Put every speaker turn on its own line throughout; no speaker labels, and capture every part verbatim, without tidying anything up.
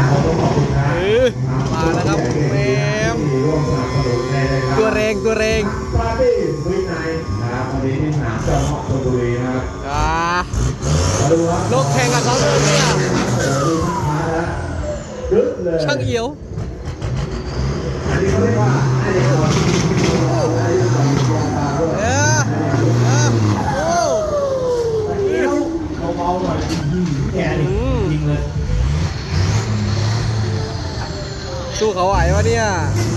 ขอต้องขอบคุณนะ
มาแล้วครับแมมตัวแรงตัวแรง
ปาร์ตี้วินัยนะครับวันนี้ที่สนามจอมหอกชลบุรีนะครับ
อ่านกแข่งกับเขาเลยเนี่ยช่างเอี่ยว
อันนี้เขาเรียกว่าไอ้เด็กคน
เออเออโอ้
เบาๆหน่อยแกนี่จริงเลย
สู้เขาไหววะเนี่ย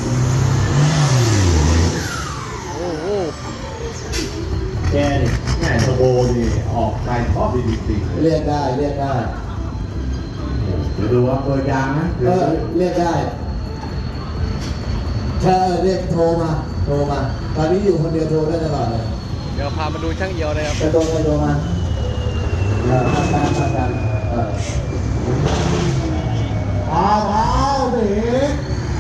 โอ้โห
แกนี่แง่สโบนี่ออกไปชอบดีดี
เรียกได้เรียกได้
เดี๋ยวดูว่าเปิดยางนะ
เออเรียกได้เธอเรียกโทรมาโทรมาตอนนี้อยู่คนเดียวโทรได้ตลอดเลย
เดี๋ยวพามาดูช่างเอี่ยวเลยครับ
จะโทรไปโทรมาเออทำการทำการเออเอาเอาเด็ก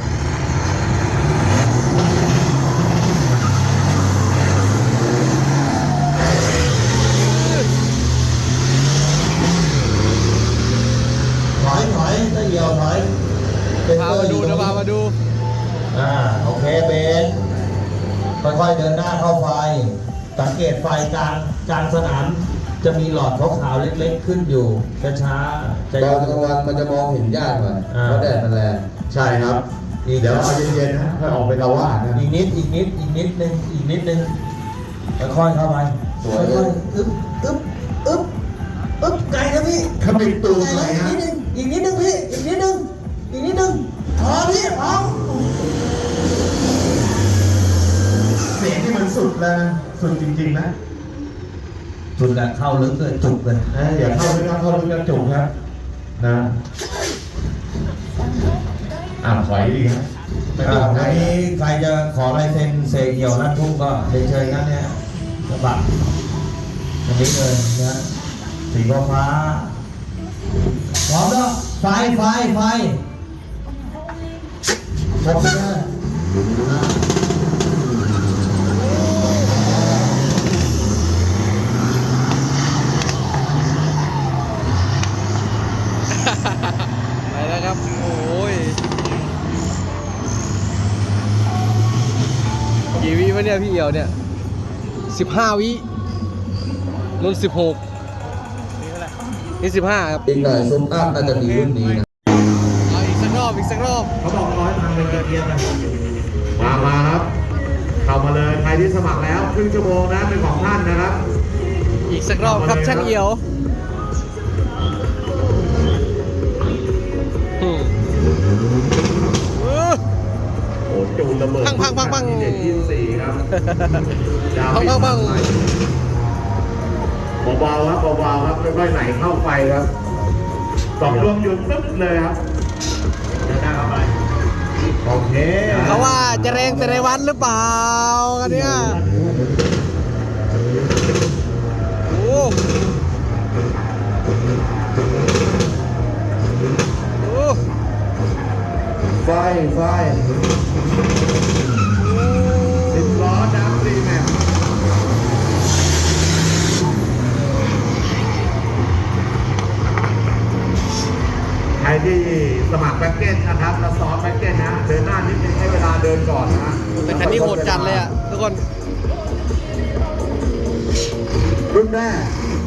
ถอยถอยถ้าเหี่ยวถอย
พามาดูเดี๋ยวพามาดู
อ่าโอเคเบนค่อยๆเดินหน้าเข้าไฟสังเกตไฟกลางกลางสนามจะมีหลอดขาวๆเล็กๆขึ้นอยู่ช้าๆตอนกลางวันมันจะมองเห็นยากหน่อยเพราะแดดมันแรง
ใช่ครับเดี๋ยวเอาเย็นๆนะค่อยออกไปละว่านะ
อีกนิดอีกนิดอีกนิดนึงอีกนิดนึงค่อยๆเข้าไปค่อยๆอึ๊บอึ๊บอึ๊บอึ๊บไกลนะพี่
ขมิบตูดหน่อยฮะ
อีกนิดนึงพี่อีกนิดนึงอีกนิดนึงพอพี่พอ
เสียงที่มันสุดแล้วสุดจริงๆนะ
สุดแล้วเข้าลึกเลยจุกเลย
อย่าเข้าลึกเข้าลึกแล้วจุกครับนะอ่าถอยดีครับ
ไม่ต้องอันนี้ใครจะขอลายเซ็นเสกเหี่ยวนั่นทุ่งก็เชิญนะเนี่ยกระบะอันนี้เลยนะสีฟ้าพร้อมแล้วไฟไฟไฟพร้อมแล้ว
ไปแล้วครับโอ้ยกี่วิวะเนี่ยพี่เอี่ยวเนี่ยสิบห้าวิรุ่นสิบหกนี่สิบห้าครับ
อีกหน่อยซุ้มอัพน่าจะมีรุ่นนี้นะ
เอาอีกสักรอบอีกสักรอบ
เขาบอกร้อยทางเป็นเกียร์นะมามาครับเข้ามาเลยใครที่สมัครแล้วครึ่งชั่วโมงนะเป็นของท่านนะครับ
อีกสักรอบครับช่างเอี่ยว
โอ้จูนระเบิด
พังพังพังพัง
เด็ดยี่สี่ครับ
พังพังพัง
เบาๆครับเบาๆครับค่อยๆไหลเข้าไฟครับสองรวมอยู่ปึ๊บเลยครับเดินหน้าเข้าไปโอเค
เขาว่าจะแรงแต่ในวันหรือเปล่ากันเนี่ยโอ้โห
ไฟไฟ
สิบล้อดับซีแม็กใครที่สมัครแพ็กเกจนะครับแล้วซ้อมแพ็กเกจนะเดินหน้านิดนึงให้เวลาเดินก่อนนะ
แต่คันนี้โหดจัดเลยอ่ะทุกคน
รุ่นแรก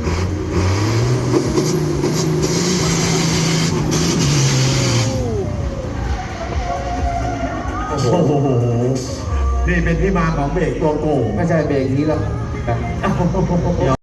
โอ้โหนี่เป็นที่มาของเบรกตัวโกง
ไม่ใช่เบรกนี้แล้ว